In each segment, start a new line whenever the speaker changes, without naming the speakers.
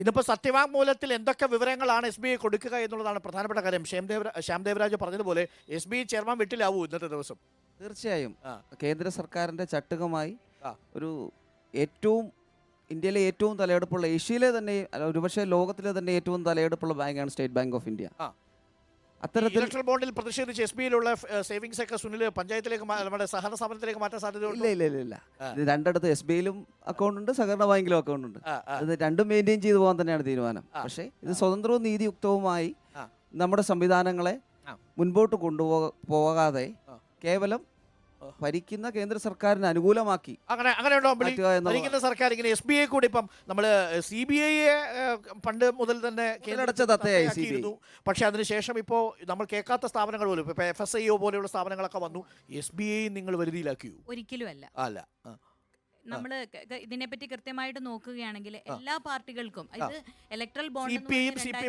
ഇന്നിപ്പോൾ സത്യവാങ്മൂലത്തിൽ എന്തൊക്കെ വിവരങ്ങളാണ് SBI കൊടുക്കുക എന്നുള്ളതാണ് പ്രധാനപ്പെട്ട കാര്യം. ശ്യാം ദേവരാജ് പറഞ്ഞതുപോലെ SBI ചെയർമാൻ വീട്ടിലാവൂ ഇന്നത്തെ ദിവസം.
തീർച്ചയായും കേന്ദ്ര സർക്കാരിൻ്റെ ചട്ടുകമായി
ആ.
ഒരു ഏറ്റവും ഇന്ത്യയിലെ ഏറ്റവും തലയെടുപ്പുള്ള ഏഷ്യയിലെ തന്നെ ഒരുപക്ഷെ ലോകത്തിലെ തന്നെ ഏറ്റവും തലയെടുപ്പുള്ള ബാങ്കാണ് സ്റ്റേറ്റ് ബാങ്ക് ഓഫ് ഇന്ത്യ. അത്തരത്തിൽ
ഇലക്ട്രൽ ബോണ്ടിൽ പ്രതിഷേധിച്ച് SBIയിലുള്ള സേവിങ്സ് ഒക്കെ സുനിൽ പഞ്ചായത്തിലേക്ക് നമ്മുടെ സഹകരണ സ്ഥാപനത്തിലേക്ക് മാറ്റാൻ സാധ്യതയുണ്ട്.
ഇല്ല ഇത് രണ്ടിടത്ത് SBIയിലും അക്കൗണ്ട് ഉണ്ട്, സഹകരണ ബാങ്കിലും അക്കൗണ്ട് ഉണ്ട്. ഇത് രണ്ടും മെയിൻറ്റെയിൻ ചെയ്തു പോകാൻ തന്നെയാണ് തീരുമാനം. പക്ഷേ ഇത് സ്വതന്ത്രവും നീതിയുക്തവുമായി നമ്മുടെ സംവിധാനങ്ങളെ മുൻപോട്ട് കൊണ്ടുപോകാതെ കേവലം ഭരിക്കുന്ന കേന്ദ്ര സർക്കാരിന് അനുകൂലമാക്കി
ഭരിക്കുന്ന സർക്കാർ ഇങ്ങനെ SBI കൂടി ഇപ്പം നമ്മൾ CBI പണ്ട് മുതൽ തന്നെ കേന്ദ്രീകരിച്ചു. പക്ഷെ അതിനുശേഷം ഇപ്പോൾ നമ്മൾ കേൾക്കാത്ത സ്ഥാപനങ്ങൾ പോലും ഇപ്പൊ FSIO പോലെയുള്ള സ്ഥാപനങ്ങളൊക്കെ വന്നു. SBI നിങ്ങൾ വരുതിയിലാക്കിയോ?
ഒരിക്കലും അല്ല. നമ്മൾ ഇതിനെപ്പറ്റി കൃത്യമായിട്ട് നോക്കുകയാണെങ്കിൽ എല്ലാ പാർട്ടികൾക്കും ഇത് ഇലക്ട്രൽ ബോണ്ട്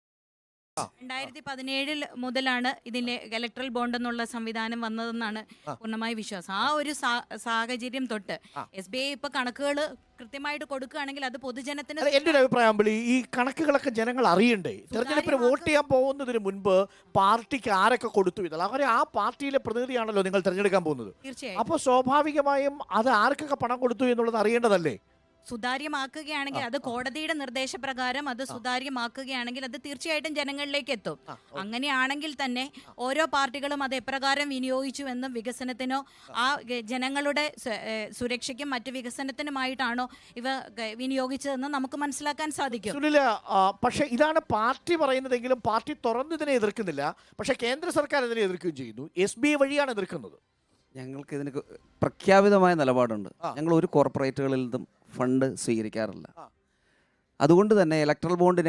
2017 മുതലാണ് ഇതിന്റെ ഇലക്ട്രൽ ബോണ്ട് എന്നുള്ള സംവിധാനം വന്നതെന്നാണ് പൂർണ്ണമായ വിശ്വാസം. ആ ഒരു സാഹചര്യം തൊട്ട് SBI ഇപ്പൊ കണക്കുകൾ കൃത്യമായിട്ട് കൊടുക്കുകയാണെങ്കിൽ അത് പൊതുജനത്തിന്
എൻ്റെ ഒരു അഭിപ്രായം ഈ കണക്കുകളൊക്കെ ജനങ്ങൾ അറിയണ്ടേ? തെരഞ്ഞെടുപ്പിന് വോട്ട് ചെയ്യാൻ പോകുന്നതിന് മുൻപ് പാർട്ടിക്ക് ആരൊക്കെ കൊടുത്തു ഇതല്ല അവരെ ആ പാർട്ടിയിലെ പ്രതിനിധിയാണല്ലോ നിങ്ങൾ തിരഞ്ഞെടുക്കാൻ പോകുന്നത്.
തീർച്ചയായും
അപ്പോൾ സ്വാഭാവികമായും അത് ആർക്കൊക്കെ പണം കൊടുത്തു എന്നുള്ളത് അറിയേണ്ടതല്ലേ?
സുതാര്യമാക്കുകയാണെങ്കിൽ അത് കോടതിയുടെ നിർദ്ദേശപ്രകാരം അത് സുതാര്യമാക്കുകയാണെങ്കിൽ അത് തീർച്ചയായിട്ടും ജനങ്ങളിലേക്ക് എത്തും. അങ്ങനെയാണെങ്കിൽ തന്നെ ഓരോ പാർട്ടികളും അത് എപ്രകാരം വിനിയോഗിച്ചുവെന്നും വികസനത്തിനോ ആ ജനങ്ങളുടെ സുരക്ഷയ്ക്കും മറ്റു വികസനത്തിനുമായിട്ടാണോ ഇവ വിനിയോഗിച്ചതെന്ന് നമുക്ക് മനസ്സിലാക്കാൻ സാധിക്കും.
പക്ഷേ ഇതാണ് പാർട്ടി പറയുന്നതെങ്കിലും പാർട്ടി തുറന്ന് ഇതിനെ എതിർക്കുന്നില്ല. പക്ഷേ കേന്ദ്ര സർക്കാർ ഇതിനെ എതിർക്കുകയും ചെയ്യുന്നു. SBI വഴിയാണ് എതിർക്കുന്നത്.
ഞങ്ങൾക്ക് ഇതിന് പ്രഖ്യാപിതമായ നിലപാടുണ്ട്. ഞങ്ങൾ ഒരു കോർപ്പറേറ്റുകളിൽ നിന്നും ഫണ്ട് സ്വീകരിക്കാറില്ല. അതുകൊണ്ട് തന്നെ ഇലക്ട്രൽ ബോണ്ടിനെ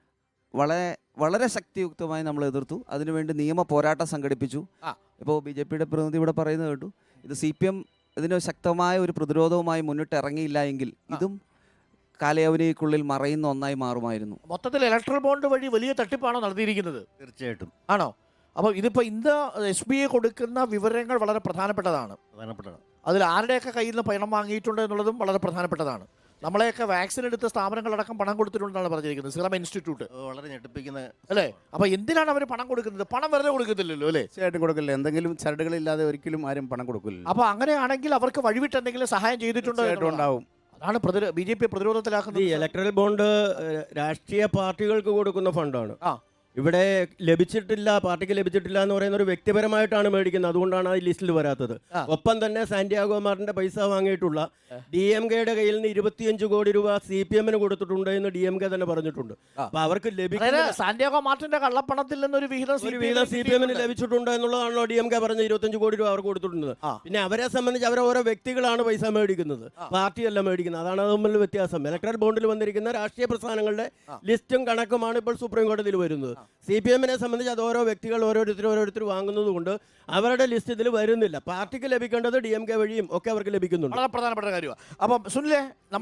വളരെ ശക്തിയുക്തമായി നമ്മൾ എതിർത്തു. അതിനുവേണ്ടി നിയമ പോരാട്ടം സംഘടിപ്പിച്ചു. ഇപ്പോൾ BJPയുടെ പ്രതിനിധി ഇവിടെ പറയുന്നത് കേട്ടു. ഇത് CPM ഇതിന് ശക്തമായ ഒരു പ്രതിരോധവുമായി മുന്നിട്ട് ഇറങ്ങിയില്ല എങ്കിൽ ഇതും കാലയവനിക്കുള്ളിൽ മറയുന്ന ഒന്നായി മാറുമായിരുന്നു.
മൊത്തത്തിൽ ഇലക്ട്രൽ ബോണ്ട് വഴി വലിയ തട്ടിപ്പാണോ നടത്തിയിരിക്കുന്നത്?
തീർച്ചയായിട്ടും
ആണോ? അപ്പോൾ ഇതിപ്പോൾ ഇന്ന് SBI കൊടുക്കുന്ന വിവരങ്ങൾ വളരെ പ്രധാനപ്പെട്ടതാണ്. അതിൽ ആരുടെയൊക്കെ കയ്യിൽ നിന്ന് പണം വാങ്ങിയിട്ടുണ്ട് എന്നുള്ളതും വളരെ പ്രധാനപ്പെട്ടതാണ്. നമ്മളെയൊക്കെ വാക്സിൻ എടുത്ത സ്ഥാപനങ്ങളടക്കം പണം കൊടുത്തിട്ടുണ്ടെന്നാണ് പറഞ്ഞിരിക്കുന്നത്. സിറം ഇൻസ്റ്റിറ്റ്യൂട്ട്
വളരെ ഞെട്ടിപ്പിക്കുന്ന
അല്ലേ? അപ്പോൾ എന്തിനാണ് അവർ പണം കൊടുക്കുന്നത്? പണം വെറുതെ കൊടുക്കത്തില്ലല്ലോ അല്ലേ?
തീർച്ചയായിട്ടും കൊടുക്കില്ല. എന്തെങ്കിലും ചരടുകളില്ലാതെ ഒരിക്കലും ആരും പണം കൊടുക്കില്ല.
അപ്പോൾ അങ്ങനെയാണെങ്കിൽ അവർക്ക് വഴിവിട്ട് എന്തെങ്കിലും സഹായം ചെയ്തിട്ടുണ്ടോ?
ഉണ്ടാവും.
അതാണ് BJP പ്രതിരോധത്തിലാക്കുന്നത്.
ഈ ഇലക്ട്രൽ ബോണ്ട് രാഷ്ട്രീയ പാർട്ടികൾക്ക് കൊടുക്കുന്ന ഫണ്ടാണ്. ഇവിടെ ലഭിച്ചിട്ടില്ല, പാർട്ടിക്ക് ലഭിച്ചിട്ടില്ല എന്ന് പറയുന്ന ഒരു വ്യക്തിപരമായിട്ടാണ് മേടിക്കുന്നത്. അതുകൊണ്ടാണ് ആ ലിസ്റ്റിൽ വരാത്തത്. ഒപ്പം തന്നെ സാന്റിയാഗോ മാർട്ടിന്റെ പൈസ വാങ്ങിയിട്ടുള്ള DMKയുടെ കയ്യിൽ നിന്ന് 25 കോടി രൂപ CPMന് കൊടുത്തിട്ടുണ്ട് എന്ന് DMK തന്നെ പറഞ്ഞിട്ടുണ്ട്. അപ്പൊ അവർക്ക് ലഭിക്കുന്ന
സാന്റിയാഗോ മാർട്ടിന്റെ കള്ളപ്പണത്തിൽ നിന്നൊരു വിഹിതം
CPMന് ലഭിച്ചിട്ടുണ്ട് എന്നുള്ളതാണല്ലോ DMK പറഞ്ഞ 25 കോടി രൂപ അവർക്ക് കൊടുത്തിട്ടുണ്ട്. പിന്നെ അവരെ സംബന്ധിച്ച് അവരെ ഓരോ വ്യക്തികളാണ് പൈസ മേടിക്കുന്നത്, പാർട്ടിയല്ല മേടിക്കുന്നത്. അതാണ് തമ്മിൽ വ്യത്യാസം. ഇലക്ട്രൽ ബോണ്ടിൽ വന്നിരിക്കുന്ന രാഷ്ട്രീയ പ്രസ്ഥാനങ്ങളുടെ ലിസ്റ്റും കണക്കുമാണ് ഇപ്പോൾ സുപ്രീം കോടതിയിൽ വരുന്നത്. CPMനെ സംബന്ധിച്ച് അത് ഓരോ വ്യക്തികൾ ഓരോരുത്തർ വാങ്ങുന്നത് കൊണ്ട് അവരുടെ ലിസ്റ്റ് ഇതിൽ വരുന്നില്ല. പാർട്ടിക്ക് ലഭിക്കേണ്ടത് DMK വഴിയും ഒക്കെ അവർക്ക് ലഭിക്കുന്നുണ്ട്.
വളരെ പ്രധാനപ്പെട്ട കാര്യമാണ്. അപ്പം സുനിലെ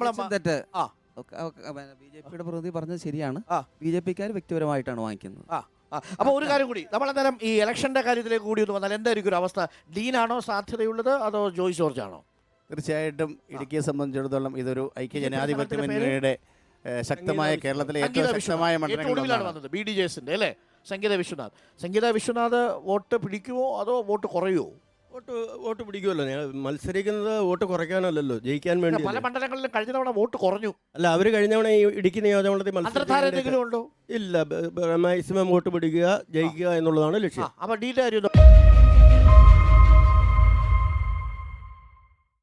BJPയുടെ പ്രതിനിധി പറഞ്ഞത് ശരിയാണ്. BJPക്കാർ വ്യക്തിപരമായിട്ടാണ് വാങ്ങിക്കുന്നത്.
അപ്പോൾ ഒരു കാര്യം കൂടി, നമ്മളന്നേരം ഈ ഇലക്ഷന്റെ കാര്യത്തിലേക്ക് കൂടി ഒന്ന് വന്നാൽ എന്തായിരിക്കും ഒരു അവസ്ഥ? ഡീനാണോ സാധ്യതയുള്ളത് അതോ ജോയ് ജോർജ് ആണോ?
തീർച്ചയായിട്ടും ഇടുക്കിയെ സംബന്ധിച്ചിടത്തോളം ഇതൊരു ഐക്യ ജനാധിപത്യ മുന്നണിയുടെ ശക്തമായ കേരളത്തിലെ ഏറ്റവും ശക്തമായ
മണ്ഡലങ്ങളിലാണ് വന്നത്. BDJSന്റെ അല്ലേ? സംഗീത വിശ്വനാഥ് വോട്ട് പിടിക്കുമോ അതോ വോട്ട് കുറയുമോ?
വോട്ട് പിടിക്കുമല്ലോ. മത്സരിക്കുന്നത് വോട്ട് കുറയ്ക്കാനല്ലല്ലോ, ജയിക്കാൻ വേണ്ടി.
പല മണ്ഡലങ്ങളിലും കഴിഞ്ഞ തവണ വോട്ട് കുറഞ്ഞു.
അല്ല, അവര് കഴിഞ്ഞ തവണ ഈ ഇടുക്കി നിയോജകമണ്ഡലത്തിൽ
മത്സരം
ഇല്ല. മാക്സിമം വോട്ട് പിടിക്കുക, ജയിക്കുക എന്നുള്ളതാണ് ലക്ഷ്യം.
അപ്പൊ ഡീറ്റെയിൽ